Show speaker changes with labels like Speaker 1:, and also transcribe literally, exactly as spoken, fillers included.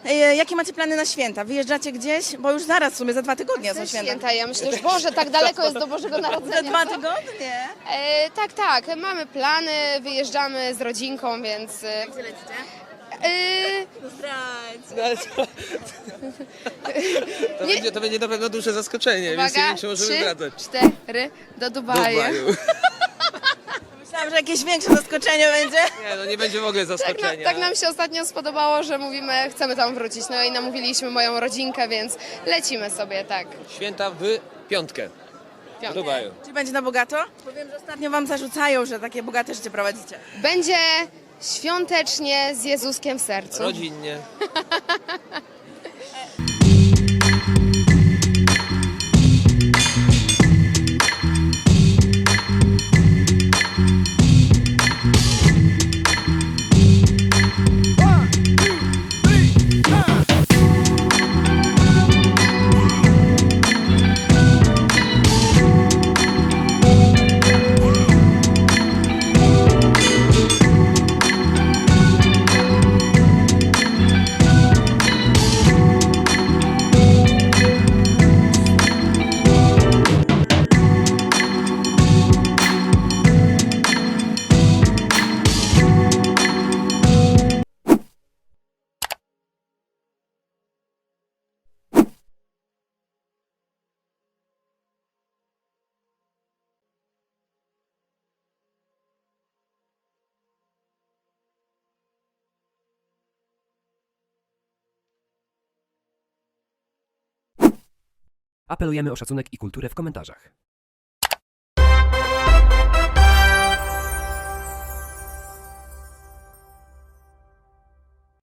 Speaker 1: E, jakie macie plany na święta? Wyjeżdżacie gdzieś? Bo już zaraz w sumie za dwa tygodnie są
Speaker 2: Ze
Speaker 1: święta.
Speaker 2: święta, ja myślę, że Boże, tak daleko jest do Bożego
Speaker 1: Za
Speaker 2: Narodzenia.
Speaker 1: dwa tygodnie?
Speaker 2: E, tak, tak, mamy plany, wyjeżdżamy z rodzinką, więc... E,
Speaker 1: Gdzie lecicie?
Speaker 2: e,
Speaker 1: Zdrajdź.
Speaker 3: No, ale to, to,
Speaker 2: Nie.
Speaker 3: będzie, to będzie na pewno duże zaskoczenie, więc nie
Speaker 2: uwaga,
Speaker 3: wiem, czy możemy
Speaker 2: trzy,
Speaker 3: zdradzać.
Speaker 2: cztery, do
Speaker 3: Do
Speaker 2: Dubaju.
Speaker 3: Dubaju.
Speaker 1: Myślałam, że jakieś większe zaskoczenie będzie.
Speaker 3: Nie, no nie będzie w ogóle
Speaker 2: Tak,
Speaker 3: zaskoczenia.
Speaker 2: na, tak nam się ostatnio spodobało, że mówimy, chcemy tam wrócić. No i namówiliśmy moją rodzinkę, więc lecimy sobie, tak.
Speaker 3: Święta w piątkę. W
Speaker 2: Piątkę.
Speaker 3: Dubaju.
Speaker 1: Czy będzie na bogato? Powiem, że ostatnio wam zarzucają, że takie bogate życie prowadzicie.
Speaker 2: Będzie świątecznie z Jezuskiem w sercu.
Speaker 3: Rodzinnie.
Speaker 4: Apelujemy o szacunek i kulturę w komentarzach.